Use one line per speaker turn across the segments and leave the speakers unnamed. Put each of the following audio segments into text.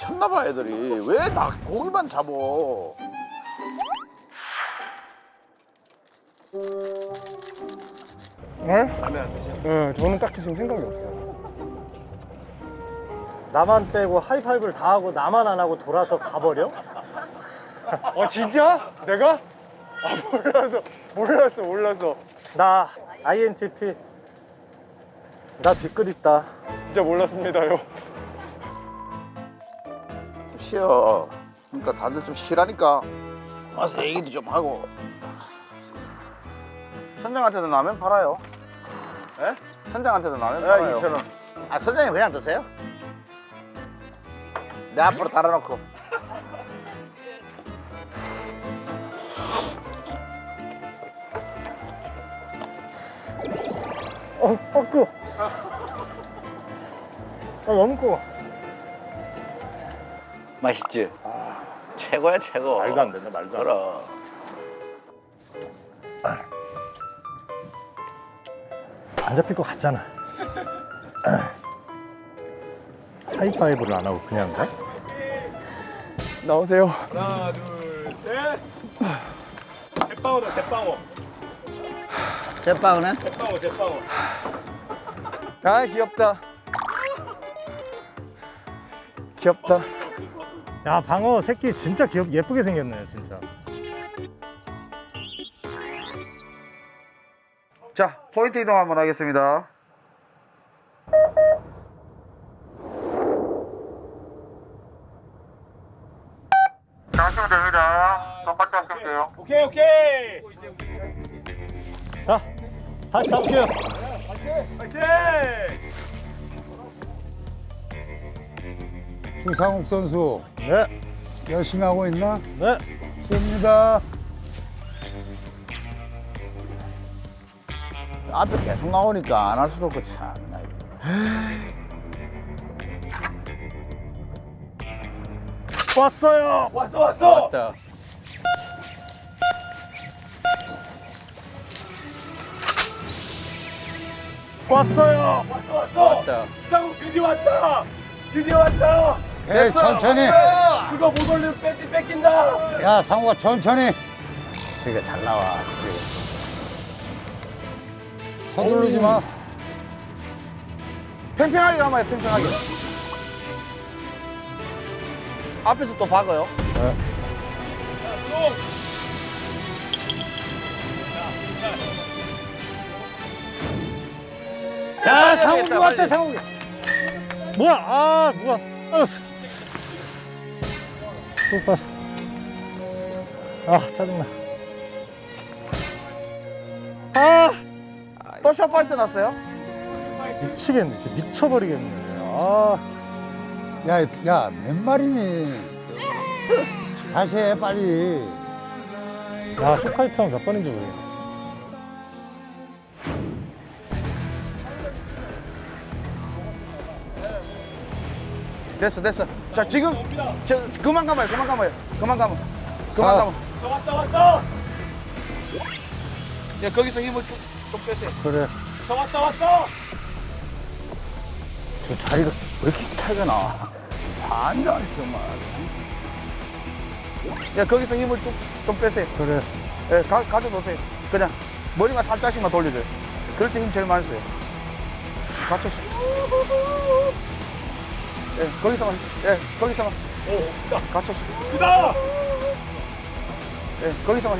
미쳤나봐 애들이. 왜 나 고기만 잡어?
네? 라면 안 드세요? 네, 저는 딱히 지금 생각이 없어요.
나만 빼고 하이파이브를 다 하고 나만 안 하고 돌아서 가버려?
진짜? 내가? 몰랐어.
나 INTP. 나 뒷끝 있다.
진짜 몰랐습니다요.
좀 쉬어. 그러니까 다들 좀 쉬라니까. 와서 얘기도 좀 하고. 선장한테도 라면 팔아요. 예? 선장한테도 라면 팔아요. 2,000원. 아, 선장님 그냥 드세요? 내 앞으로 달아놓고.
뜨거. 너무 뜨거.
맛있지? 최고야, 최고.
말도 안 된다, 말도 안 돼.
그럼.
안 잡힐 것 같잖아. 하이파이브를 안 하고 그냥 가?
나오세요. 하나, 둘, 셋. 제빵어다, 제빵어.
제빵은?
제빵어. 아, 귀엽다.
야, 방어 새끼 진짜 예쁘게 생겼네, 진짜.
자, 포인트 이동 한번 하겠습니다. 자, 하시면 됩니다. 똑같이 하시면 돼요.
오케이.
자, 다시 잡을게요.
파이팅!
주상욱 선수
네,
열심히 하고 있나?
네.
됩니다.
앞에 계속 나오니까 안 할 수도 없고 참.
왔어요.
왔어.
왔어요.
상욱 드디어 왔다.
에 천천히.
그거 못 올리면 배지 뺏긴다.
야 상우가 천천히.
그러니까 잘 나와.
서두르지 마.
팽팽하게 가봐요, 팽팽하게. 앞에서 또 박아요.
야, 상욱이 왔대, 상욱이. 뭐야, 뭐야. 알았어. 또 짜증나.
또 샷파이트 났어요?
미치겠네, 진짜 미쳐버리겠네.
야 몇 마리니? 다시 해 빨리.
야, 쇼카이트 하면 몇 번인지 모르겠네.
됐어. 자, 지금 그만 감아요.
왔다.
야, 거기서 힘을 좀 빼세요.
그래.
왔다.
저 자리가 왜 이렇게 차이가 나? 완전 정말. 야, 거기서 힘을 좀 빼세요.
그래.
예, 가져놓으세요. 그냥 머리만 살짝씩만 돌려줘요. 그럴 때 힘 제일 많이 써요. 갖춰서. 거기서만. 갖춰서.
크다.
거기서만.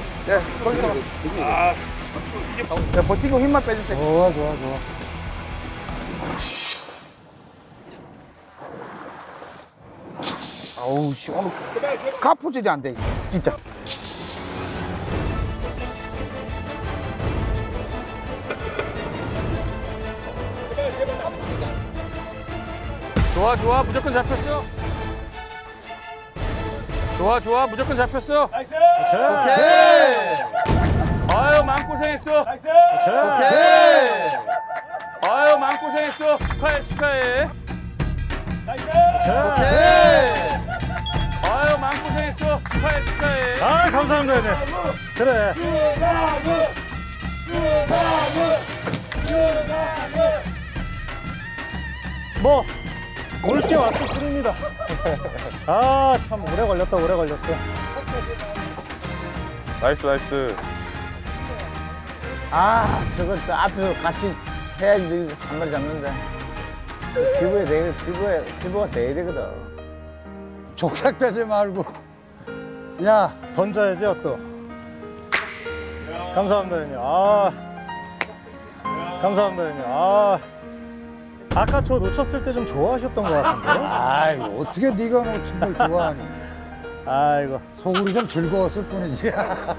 버티고 힘만 빼주세요.
좋아.
아우, 씨, 오늘 가포질이 안 돼, 진짜.
좋아 무조건 잡혔어. 무조건 잡혔어.
나이스.
오케이. 아유 마음고생했어.
나이스.
오케이. 아유 마음고생했어. 축하해.
나이스.
오케이. 아유 마음고생했어. 축하해.
아, 감사합니다, 네. 그래. 뭐, 올 게 왔을 뿐입니다. 아, 참 오래 걸렸다, 오래 걸렸어.
나이스 나이스.
아, 저거 저 앞에서 같이 해야지 저기서 한 마리 잡는데. 지부가 돼야 되거든. 족삭대지 말고.
야, 던져야죠, 또. 감사합니다, 형님. 아. 감사합니다, 형님. 아. 아까 저 놓쳤을 때 좀 좋아하셨던 것 같은데?
아이, 어떻게 네가 놓친 걸 좋아하니?
아이고.
속으로 좀 즐거웠을 뿐이지.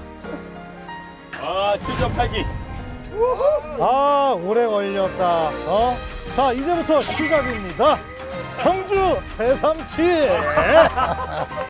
아, 7.8기.
아, 오래 걸렸다. 어? 자, 이제부터 시작입니다. 경주 대삼치.